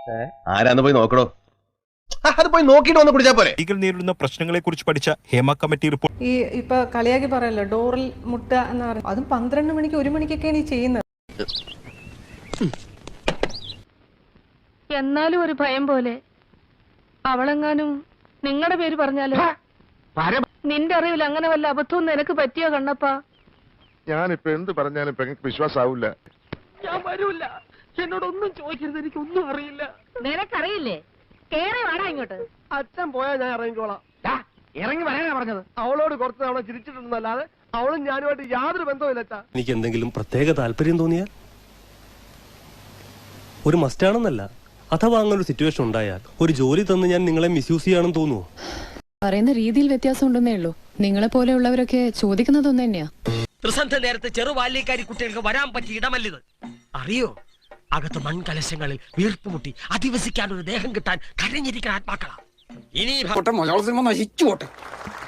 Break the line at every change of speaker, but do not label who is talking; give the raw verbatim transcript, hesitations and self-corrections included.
ആരാന്ന് പോയി നോക്കണോ? അത് പോയി നോക്കിട്ട് വന്ന് കുടിച്ചാ പോരെ.
സ്ത്രീകൾ നേരിടുന്ന പ്രശ്നങ്ങളെ കുറിച്ച് പഠിച്ച ഹേമ കമ്മിറ്റി റിപ്പോർട്ട്.
ഈ ഇപ്പൊ കളിയാക്കി പറയല്ലോ ഡോറിൽ മുട്ട എന്ന് പറയുന്നത്, അതും പന്ത്രണ്ട് മണിക്ക് ഒരു മണിക്കൊക്കെയാണ് ഈ ചെയ്യുന്നത്.
എന്നാലും ഒരു ഭയം പോലെ അവളെങ്ങാനും നിങ്ങളുടെ പേര് പറഞ്ഞാലോ? നിന്റെ അറിവിൽ അങ്ങനെ വല്ല അബദ്ധവും നിനക്ക് പറ്റിയോ കണ്ണപ്പാ?
ഞാനിപ്പോ എന്ത് പറഞ്ഞാലും പെങ്ങൾക്ക് വിശ്വാസാവൂല.
ഞാൻ വരൂല, എന്നോടൊന്നും ചോദിക്കരുത്, എനിക്കൊന്നും അറിയില്ല. നിനക്കറിയില്ലേ? കേറി വാടാ ഇങ്ങോട്ട്.
അച്ഛൻ പോയാ ഞാൻ ഇറങ്ങിക്കോളാം. ഇറങ്ങി വരാനാ പറഞ്ഞത്. അവളോട് കുറച്ച് തവണ ചിരിച്ചിട്ടുണ്ടെന്നല്ലാതെ അവളും ഞാനുമായിട്ട് യാതൊരു ബന്ധവുമില്ല അച്ഛാ.
എനിക്ക് എന്തെങ്കിലും പ്രത്യേക താല്പര്യം തോന്നിയാൽ ഒരു മസ്റ്റാണെന്നല്ല, അഥവാ അങ്ങനെ ഒരു സിറ്റുവേഷൻ ഉണ്ടായാൽ ഒരു ജോലി തന്ന് ഞാൻ നിങ്ങളെ മിസ്യൂസ് ചെയ്യാണെന്ന് തോന്നുവോ?
പറയുന്ന രീതിയിൽ വ്യത്യാസം ഉണ്ടെന്നേ ഉള്ളൂ. നിങ്ങളെ പോലെയുള്ളവരൊക്കെ ചോദിക്കുന്നത് ഒന്ന് തന്നെയാ.
ത്രിസന്ധ നേരത്തെ ചെറുബാല്യക്കാരി കുട്ടികൾക്ക് വരാൻ പറ്റിയ ഇടമല്ലിത്. അറിയോ, അകത്ത് മൺകലശങ്ങളിൽ വീർപ്പുമുട്ടി അധിവസിക്കാൻ ഒരു ദേഹം കിട്ടാൻ കരഞ്ഞിരിക്കുന്ന ആത്മാക്കളാ. ഇനി
മലയാള സിനിമ നശിച്ചു പോട്ടെ.